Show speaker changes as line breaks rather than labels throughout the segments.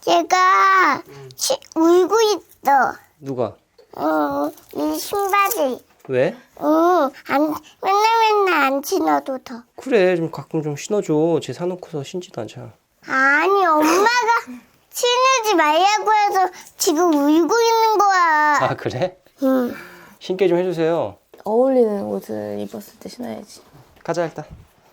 얘가 울고 있어.
누가?
이 신발이.
왜?
맨날 안 신어도 더.
그래, 좀 가끔 좀 신어줘. 쟤 사놓고서 신지도 않잖아.
아니, 엄마가 신으지 말라고 해서 지금 울고 있는 거야.
아, 그래?
응.
신게 좀 해주세요.
어울리는 옷을 입었을 때 신어야지.
가자, 일단.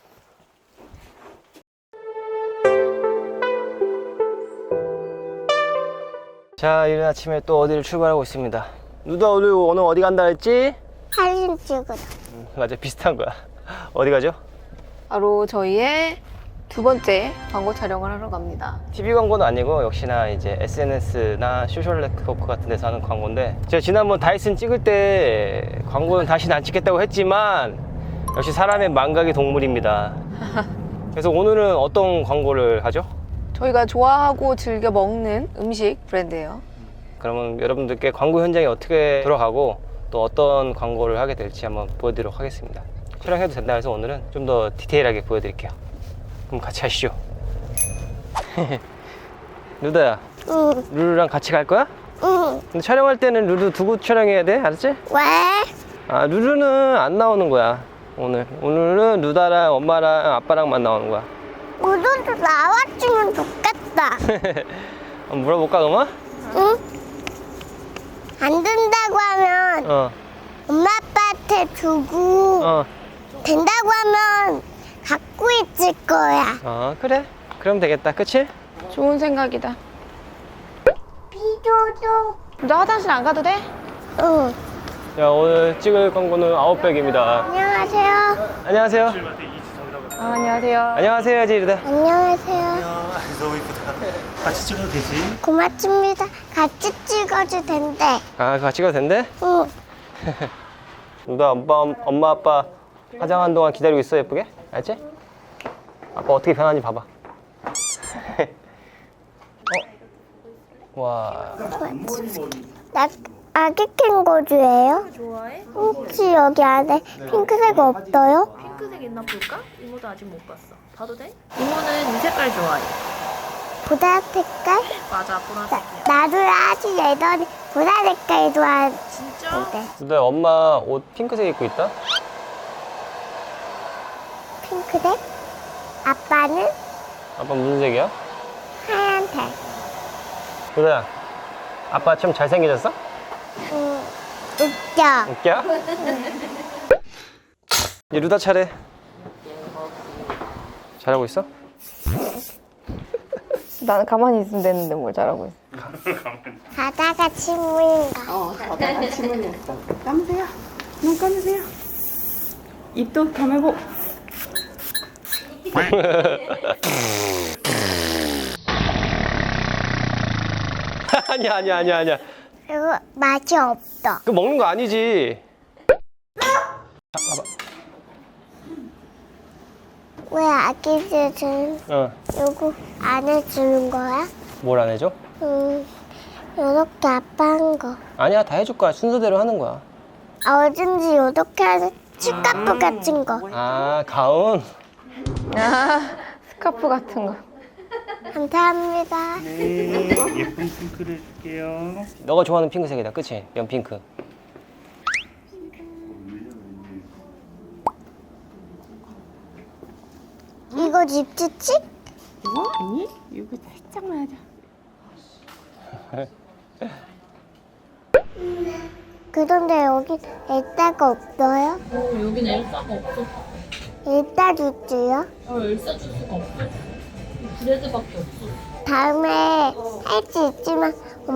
자, 이른 아침에 또 어디를 출발하고 있습니다. 누가 오늘 어디 간다 했지?
사진 찍으러.
맞아, 비슷한 거야. 어디 가죠?
바로 저희의 두 번째 광고 촬영을 하러 갑니다.
TV 광고는 아니고 역시나 이제 SNS나 소셜 네트워크 같은 데서 하는 광고인데, 제가 지난번 다이슨 찍을 때 광고는 다시는 안 찍겠다고 했지만 역시 사람의 망각이 동물입니다. 그래서 오늘은 어떤 광고를 하죠?
저희가 좋아하고 즐겨 먹는 음식 브랜드예요.
그러면 여러분들께 광고 현장에 어떻게 들어가고 또 어떤 광고를 하게 될지 한번 보여드리도록 하겠습니다. 촬영해도 된다 해서 오늘은 좀 더 디테일하게 보여드릴게요. 그럼 같이 하시죠. 루다야,
응.
루루랑 같이 갈 거야?
응.
근데 촬영할 때는 루루 두고 촬영해야 돼, 알았지?
왜?
아, 루루는 안 나오는 거야. 오늘은 루다랑 엄마랑 아빠랑만 나오는 거야.
우도도 나왔으면 좋겠다.
한번 물어볼까, 그러면?
응? 안 된다고 하면 엄마 아빠한테 주고 된다고 하면 갖고 있을 거야.
그래. 그럼 되겠다, 그치?
좋은 생각이다.
비도도.
너 화장실 안 가도 돼?
응.
자, 오늘 찍을 광고는 아웃백입니다.
안녕하세요.
안녕하세요.
안녕하세요.
안녕하세요, 지르다.
안녕하세요.
너무 이쁘다. 같이 찍어도 되지?
고맙습니다. 같이 찍어도 된대.
아, 같이 가도 된대?
응.
루다, 엄마, 아빠 화장한 동안 기다리고 있어, 예쁘게? 알지? 아빠 어떻게 변하는지 봐봐. 와.
나 아기 캥거루예요? 좋아해? 혹시 여기 안에 핑크색 없어요?
핑크색 있나 볼까? 이모도 아직 못 봤어. 봐도 돼? 이모는 이 색깔 좋아해.
보라 색깔?
맞아, 보라색이야.
나도 아주 예전에 보라 색깔 좋아했는데.
진짜?
루다, 엄마 옷 핑크색 입고 있다?
핑크색? 아빠는
아빠 무슨 색이야?
하얀색.
루다야, 아빠 좀 잘생겨졌어?
웃겨.
웃겨? 이제 루다 차례. 잘하고 있어?
나는 가만히 있으면 되는데 뭘 잘하고 있어.
바다가 친구인가?
바다가 침문이었어. 감으세요. 눈 감으세요. 입도 감고.
아니야.
그리고 맛이 없어.
그거 먹는 거 아니지.
왜 아기들은 요거 안 해주는 거야?
뭘 안 해줘?
요렇게 아빠 한 거.
아니야, 다 해줄 거야. 순서대로 하는 거야.
어딘지 요렇게 하는 치카프 같은 거.
아, 가운?
스카프 같은 거.
감사합니다.
네, 예쁜 핑크를 해줄게요.
너가 좋아하는 핑크색이다, 그치? 연핑크.
이거 립스틱?
이거 아니? 이거 살짝만 하자.
그런데 여기 엘사가 없어요?
여긴 엘사가 없어.
엘사 주스요?
엘사 주스가 없어. 브레드밖에 없어.
다음에 할 수 있지만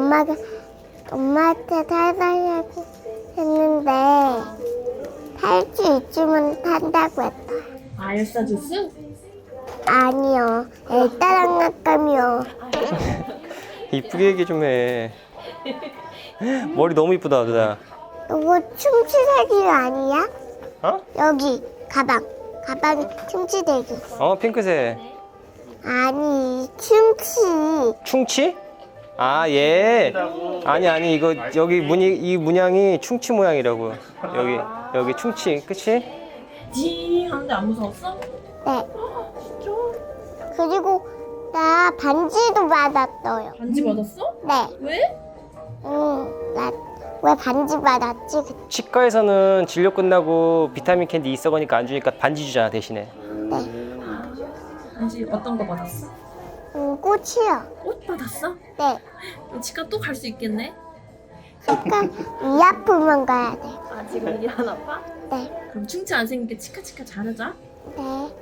엄마한테 사달라고 했는데 할 수 있으면 산다고 했다.
아, 엘사 주스?
아니요. 엘사랑 낚감이요.
이쁘게 얘기 좀 해. 머리 너무 이쁘다, 누나.
이거 충치대기 아니야?
어? 여기
가방이 충치대기.
핑크색.
아니 충치.
충치? 아, 얘. 아니, 이거, 이 문양이 충치 모양이라고. 여기 충치, 그치?
지 하는데 안 무서웠어?
네. 그리고 나 반지도 받았어요.
반지 받았어?
네.
왜?
나 왜 반지 받았지?
치과에서는 진료 끝나고 비타민 캔디 있어가니까 안 주니까 반지 주잖아 대신에.
반지 어떤 거 받았어?
꽃이요.
옷 받았어?
네.
그럼 치과 또 갈 수 있겠네?
약간 위 아프면 가야 돼.
아 지금 일이 안 아파?
네.
그럼 충치 안 생기게 치카치카 잘하자.
네.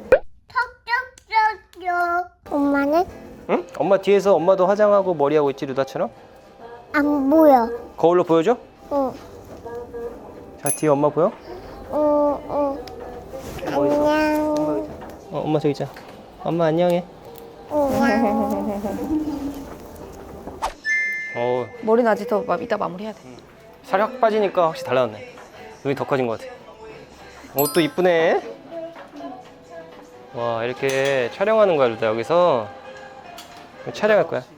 톡톡톡톡. 엄마는
응? 엄마 뒤에서 엄마도 화장하고 머리하고 있지 루다처럼?
안 보여.
거울로 보여줘?
응.
자 뒤에 엄마 보여?
응. 안녕.
엄마 저기 있잖아. 엄마 안녕해.
안녕.
머리는 아직 더 이따 마무리해야 돼.
살이 확 빠지니까 확실히 달라졌네. 눈이 더 커진 것 같아. 옷도 이쁘네. 와 이렇게 촬영하는 거야 루다 여기서. 촬영할 거야.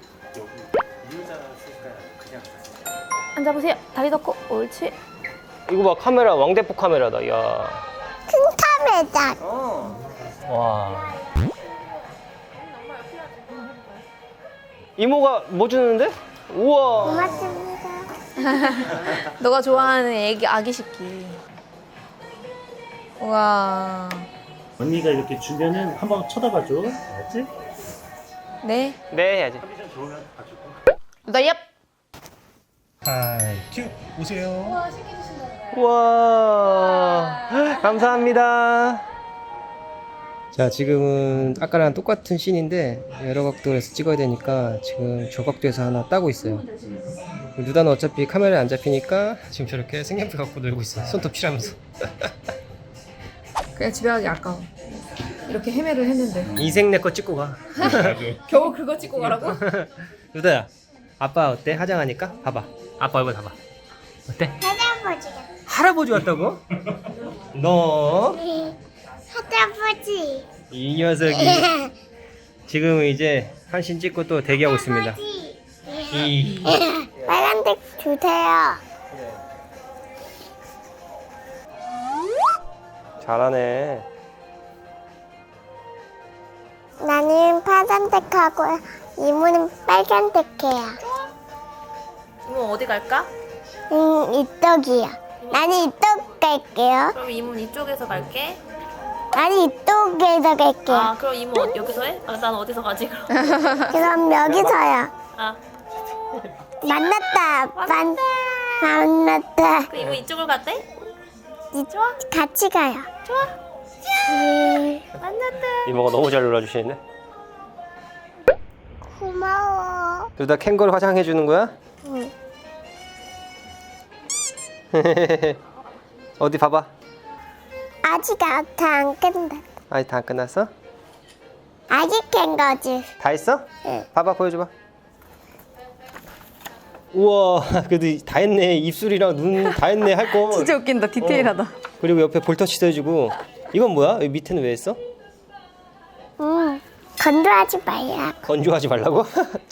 앉아보세요. 다리 덮고. 옳지.
이거 봐 카메라 왕대포 카메라다. 이야.
큰 카메라.
와. 이모가 뭐 주는데? 우와.
고맙습니다.
너가 좋아하는 아기 식기. 우와.
언니가 이렇게 주면은 한번 쳐다봐줘. 알았지?
네.
네 해야지.
컨디션 좋으면 봐주고.
나 얍.
하이 큐 오세요.
우와. 감사합니다. 자 지금은 아까랑 똑같은 씬인데 여러 각도에서 찍어야 되니까 지금 저 각도에서 하나 따고 있어요. 루다는 어차피 카메라에 안 잡히니까 지금 저렇게 색연필 갖고 놀고 있어요. 손톱 칠하면서.
그냥 집에 가기 아까워. 이렇게 헤매를 했는데.
이생 내 거 찍고 가.
겨우 그거 찍고 가라고?
루다야 아빠 어때? 화장하니까? 봐봐 아빠 얼굴 봐봐 어때?
할아버지가.
할아버지 왔다고? 너
할아버지.
이 녀석이 지금 이제 한신 찍고 또 대기하고 있습니다. 이
빨간색 주세요.
잘하네.
나는 파란색하고 이모는 빨간색해요.
이모 어디 갈까?
이쪽이요. 나는 이쪽 갈게요.
그럼 이모는 이쪽에서 갈게.
나는 이쪽에서 갈게요.
아 그럼 이모 여기서 해? 아, 난 어디서 가지 그럼?
그럼 여기서요.
아
만났다. 만났다.
그 이모 이쪽을 갔대?
좋아? 같이 가요.
좋아.
만났다.
이모가 너무 잘 놀아주시는데.
고마워.
루다 캥거루 화장해 주는 거야?
응.
어디 봐봐.
아직 다 안 끝났다.
아직 다 안 끝났어?
아직 깬 거지.
다 했어?
응.
봐봐 보여줘봐. 우와 그래도 다 했네. 입술이랑 눈 다 했네 할 거.
진짜 웃긴다. 디테일하다.
그리고 옆에 볼터치도 해주고. 이건 뭐야? 여기 밑에는 왜 했어?
건조하지 말라.
건조하지 말라고?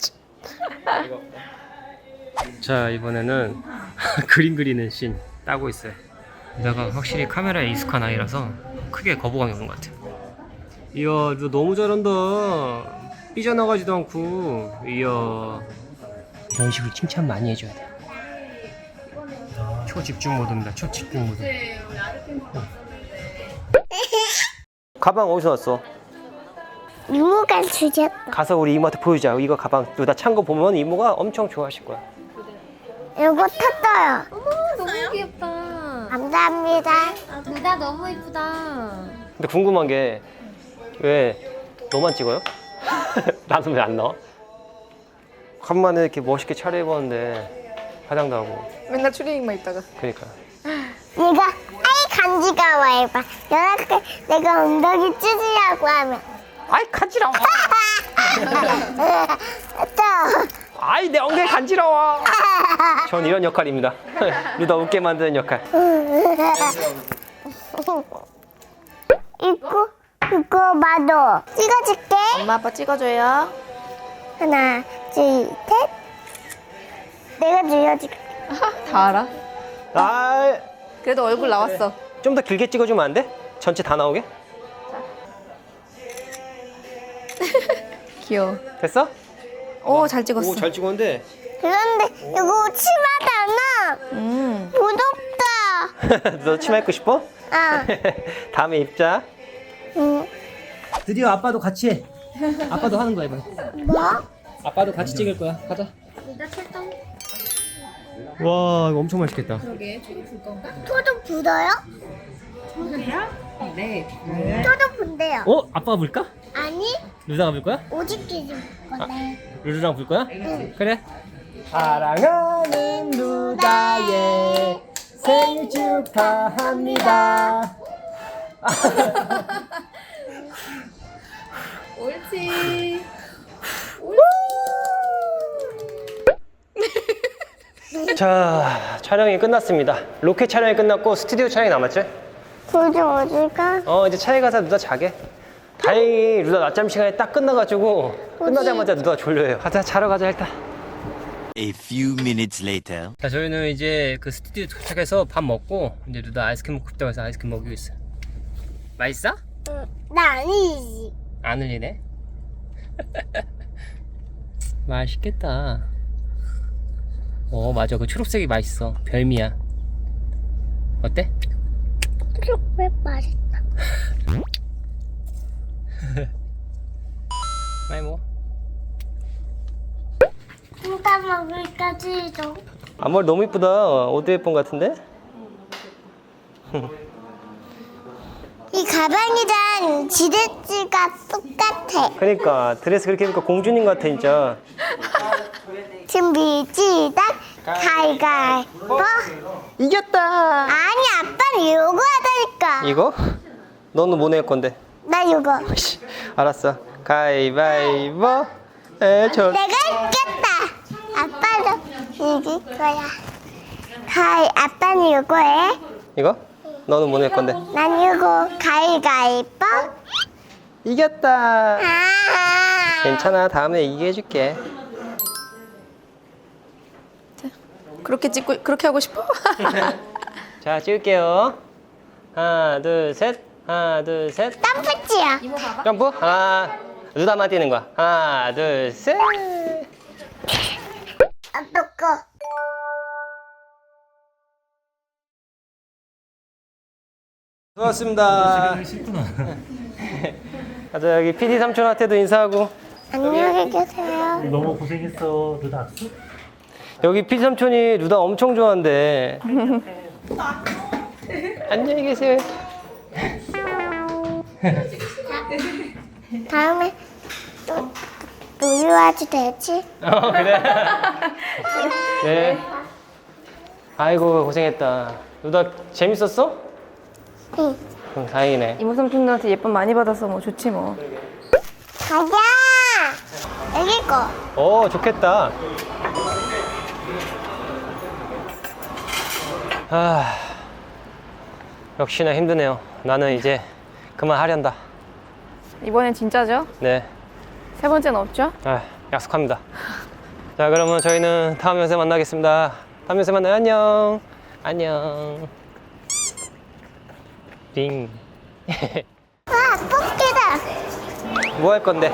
자 이번에는 그림 그리는 씬 따고 있어요. 내가 확실히 카메라에 익숙한 아이라서 크게 거부감이 없는 것 같아요. 이야 너 너무 잘한다. 삐져나가지도 않고. 이야 이런 식으로 칭찬 많이 해줘야 돼. 초집중 모드입니다. 초집중 모드. 가방 어디서 왔어?
이모가 주셨다.
가서 우리 이모한테 보여주자. 이거 가방 누다 찬 거 보면 이모가 엄청 좋아하실 거야.
이거 탔어요.
너무 귀엽다.
감사합니다.
루다 너무 이쁘다.
근데 궁금한 게 왜 너만 찍어요? 나는 왜 안 나와? 간만에 이렇게 멋있게 차려입었는데 화장도 하고.
맨날 추리닝만 입다가.
그러니까
얘가 아이 간지가 와 해봐. 내가 엉덩이 찢으려고 하면
아이 간지러워.
또
아이 내 엉덩이 간지러워. 전 이런 역할입니다. 루다 웃게 만드는 역할.
이거 봐도 찍어줄게.
엄마 아빠 찍어줘요.
하나, 둘, 셋. 내가 들려줄게.
다 알아?
아,
그래도 얼굴 나왔어.
좀 더 길게 찍어주면 안 돼? 전체 다 나오게?
귀여워.
됐어?
오, 잘 찍었어.
오, 잘 찍었는데.
그런데 이거 치마잖아. 무섭다.
너 치마 입고 싶어?
아,
다음에 입자.
응.
드디어 아빠도 같이 해. 아빠도 하는 거야, 이번에.
뭐?
아빠도 같이 찍을 거야. 가자. 와, 이거 엄청 맛있겠다.
토도 불어요?
네.
토도 분대요.
어? 아빠가 불까?
아니,
루다가 불 거야?
오직기 좀 건데.
루루랑 불 거야? 그래. 사랑하는 루다의 생일 축하합니다.
옳지.
자, 촬영이 끝났습니다. 로켓 촬영이 끝났고 스튜디오 촬영이 남았지?
도저 어딜까?
이제 차에 가서 루다 자게. 다행히 루다 낮잠 시간이 딱 끝나가지고 끝나자마자 루다가 졸려요. 가자, 자러 가자 일단.
A few minutes later.
자, 저희는 이제 그 스튜디오 도착해서 밥 먹고 이제 루다 아이스크림 먹고 싶다고 해서 아이스크림 먹이고 있어. 맛있어?
나 아니지.
안 흘리네. 맛있겠다. 맞아, 그 초록색이 맛있어. 별미야. 어때?
왜 맛있다.
많이 먹어.
진짜 먹을까지 좀.
앞머리 너무 이쁘다. 오드 웨폰 같은데?
이 가방이랑 지렛지가 똑같아.
그러니까 드레스 그렇게 입으니까 공주님 같아 진짜.
준비 시작. 가위가위보.
이겼다.
아니 아빠는 요거 하다니까.
이거? 너는 뭐 낼 건데?
나 요거.
씨, 알았어. 가위바위보. 저
내가 이겼다. 아빠도 이길 거야. 아빠는 요거 해.
이거? 너는 뭐 낼 건데?
난 요거 가위가위보.
이겼다.
아.
괜찮아. 다음에 이기게 해줄게.
그렇게 하고 싶어?
자, 찍을게요. 하나, 둘, 셋. 하나, 둘, 셋.
땀붙이야.
점프. 하나. 루다만 뛰는 거야. 하나, 둘, 셋.
아빠 거.
수고하셨습니다.
쉽구나.
가자, 여기 PD 삼촌한테도 인사하고.
안녕히 계세요.
너무 고생했어, 루다 악수.
여기 PD 삼촌이 루다 엄청 좋아한대. 안녕히 계세요.
다음에 또 놀러와도 되지?
그래. 네. 아이고, 고생했다. 루다 재밌었어?
응.
다행이네.
이모 삼촌들한테 예쁨 많이 받아서 뭐 좋지 뭐.
가자. 애기 거.
좋겠다. 역시나 힘드네요. 나는 이제 그만하련다.
이번엔 진짜죠?
네.
세 번째는 없죠?
약속합니다. 자, 그러면 저희는 다음 영상에 만나겠습니다. 다음 영상에 만나요. 안녕. 안녕. 링.
와, 뽑기다.
뭐 할 건데?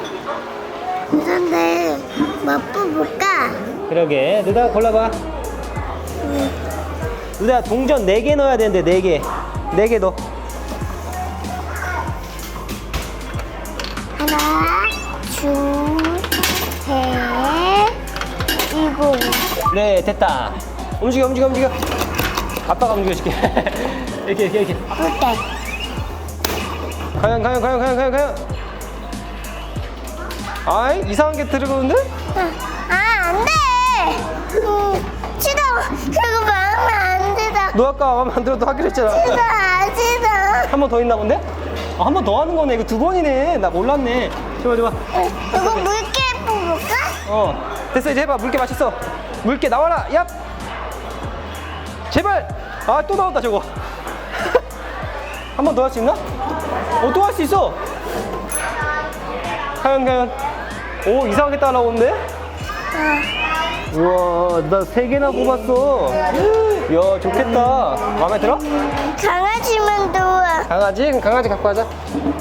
그런데 뭐 뽑을까?
그러게. 누다 골라봐. 누다 동전 4개 넣어야 되는데 4개. 4개 넣어.
하나, 둘, 셋, 일곱.
네, 됐다. 움직여. 아빠가 움직여줄게. 이렇게.
어때?
과연. 아이, 이상한 게 들어오는데?
안 돼. 싫어. 그거 마음에 안 들어.
너 아까 마음에 안 들어도 하기로 했잖아.
싫어.
한 번 더 있나 본데? 한 번 더 하는 거네. 이거 2번이네. 나 몰랐네. 좋아.
이거 물개 뽑을까?
됐어. 이제 해봐. 물개 맞췄어. 물개 나와라. 얍. 제발. 또 나온다 저거. 한 번 더 할 수 있나? 또 할 수 있어. 과연. 오, 이상하게 따라오는데? 우와, 나 3개나 뽑았어. 이야, 좋겠다. 마음에 들어?
강아지만 좋아.
강아지? 그럼 강아지 갖고 가자.